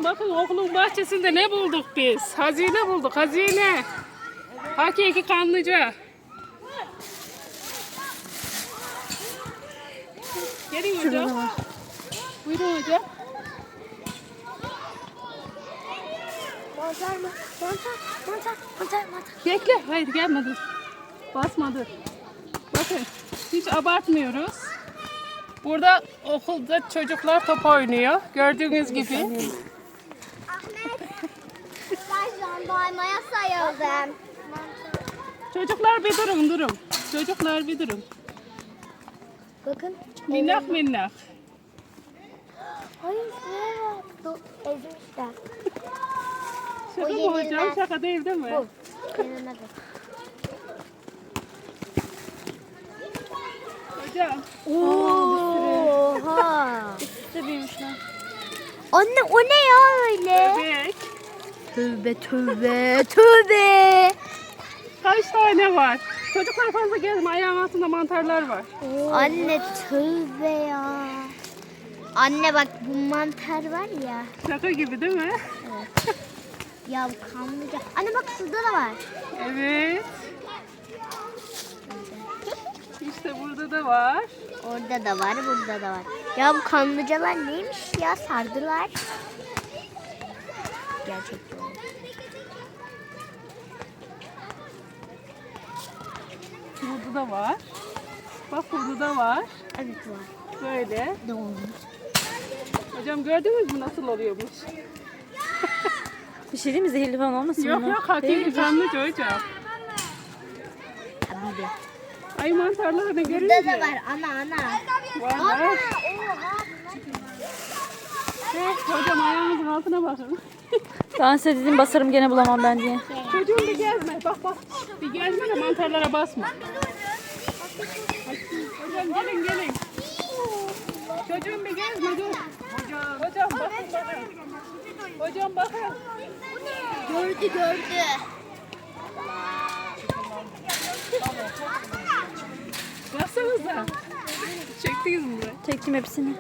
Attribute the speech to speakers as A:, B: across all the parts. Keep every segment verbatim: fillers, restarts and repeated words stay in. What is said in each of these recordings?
A: Hocam bakın okulun bahçesinde ne bulduk biz? Hazine bulduk, hazine. Hakiki kanlıca. Gelin hocam. Buyurun hocam.
B: Mantar mı? Mantar, mantar, mantar, mantar.
A: Bekle. Hayır gelme dur. Basma dur. Bakın hiç abartmıyoruz. Burada okulda çocuklar top oynuyor. Gördüğünüz gibi.
B: Ahmet, ben jandarmaya sayıldım.
A: Çocuklar bir durun durun. Çocuklar bir durun.
B: Bakın.
A: Minnak minnak.
B: Hayır, şuraya bak. Ezmişler.
A: Şaka mı
B: yenilmez.
A: hocam? Şaka değil değil mi?
B: Bu. Yenilmez.
A: Hocam.
B: Oha.
C: Üstte büyümüşler.
B: Anne o ne ya öyle?
A: Bebek.
B: Tövbe tövbe tövbe.
A: Kaç tane var? Çocuklar fazla gelme. Ayağın altında mantarlar var.
B: Anne tövbe ya. Anne bak bu mantar var ya.
A: Şaka gibi değil mi?
B: Ya bu kanlıca. Anne bak şurada da var.
A: Evet. İşte burada da var.
B: Orada da var, burada da var. Ya bu kanlıcalar neymiş ya? Sardılar. Gerçekten.
A: Burada da var. Bak burada da var.
B: Evet var.
A: Böyle.
B: Ne olmuş?
A: Hocam gördünüz mü nasıl oluyormuş?
C: Bir şey değil mi? Zehirli falan olmasın
A: Yok
C: bunlar?
A: yok hakiki kanlıca hocam.
B: Tabii de.
A: Ay mantarlarını görünce.
B: Burada da var ana ana.
A: Var
B: Ana.
A: var.
B: Oha.
A: Hocam ayağınızın altına bakın.
C: Ben size dedim basarım gene bulamam ben diye.
A: Çocuğum bir gezme. Bak bak. Bir gezme de mantarlara basma. Hocam gelin gelin. Çocuğum bir gezme dur. Hocam. Hocam bakın bakın. Hocam bakın.
B: Gördü gördü.
A: Baksanıza. Çektiniz mi burayı?
C: Çektim hepsini.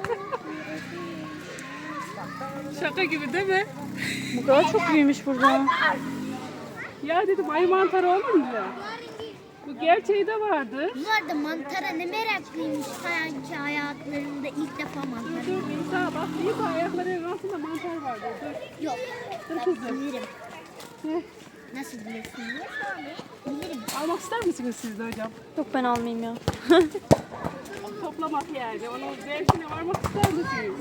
A: Şaka gibi değil mi?
C: Bu kadar çok büyümüş burada.
A: Ya dedim ay mantarı olunca. Bu gerçeği de vardı.
B: Bunlar da mantara ne meraklıymış sanki hayatlarında ilk defa mantar.
A: Dur İsa bak İsa ayaklarının altında mantar vardı. Dur.
B: Yok.
A: Dur
B: Ben
A: kızım.
B: bilirim.
A: Heh.
B: Nasıl bilirsiniz? Bilirim.
A: Almak ister misiniz siz de hocam?
C: Yok ben almayayım ya.
A: Toplamak yani. Onun zevkine varmak ister misiniz?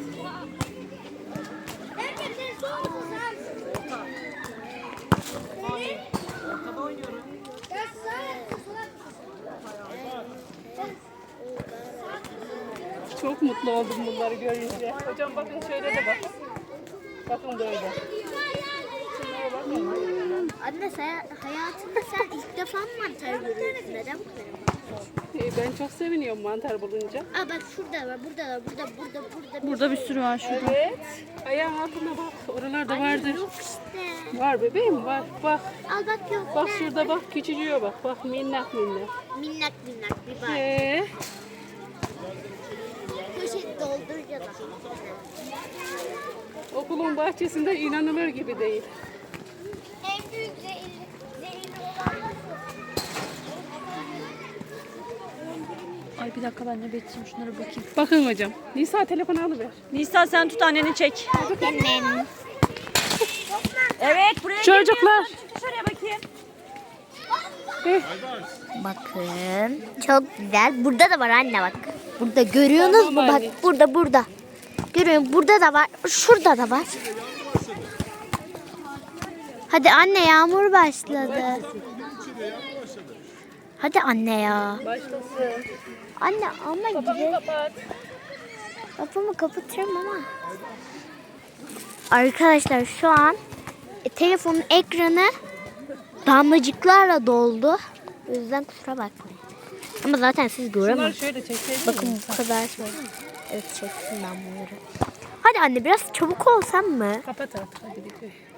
A: Çok mutlu oldum bunları görünce. Hocam bakın şöyle de bak. Bakın böyle. Şunlara bakın.
B: Anne sen hayatında sen ilk defa mı mantar görüyorsun? Neden bu kadar?
A: Ee, Ben çok seviniyorum mantar bulunca.
B: Aa bak şurada var, burada var, burada, burada, burada.
C: Burada bir sürü var şurada.
A: Evet. Ayağın altına bak. Oralarda vardır.
B: Yok işte.
A: Var bebeğim var. Bak.
B: Al bak yok.
A: Bak
B: ne?
A: şurada bak. Küçücüğe bak. Bak minnak minnak.
B: Minnak minnak bir bak.
A: Ee,
B: Poşet dolduracağız.
A: okulun bahçesinde inanılır gibi değil.
B: En büyük zehirli, zehirli olan nasıl?
C: Ay bir dakika ben de bekleyeyim şunlara bakayım.
A: Bakın hocam. Nisa telefonu alıver.
C: Nisa sen tut anneni çek.
B: Annem.
C: Evet buraya
A: Çocuklar.
C: Çık dışarıya bakayım.
A: Eh,
B: Bakın çok güzel. Burada da var anne bak. Burada görüyorsunuz mu?
A: Tamam
B: Bak
A: anne.
B: burada burada. Görüyorum burada da var. Şurada da var. Hadi anne yağmur başladı. Hadi anne ya.
A: başlasın.
B: Anne ama
A: Kapıyı
B: güzel.
A: kapat.
B: Kapımı kapatırım ama. Arkadaşlar şu an e, telefonun ekranı damlacıklarla doldu. O yüzden kusura bakmayın. Ama zaten siz
A: Bunları
B: göremezsiniz.
A: şöyle çekseydin.
B: Bakın bu kadar şey. Evet çektim ben bunları. Hadi anne biraz çabuk olsam mı?
A: Kapat artık hadi bir.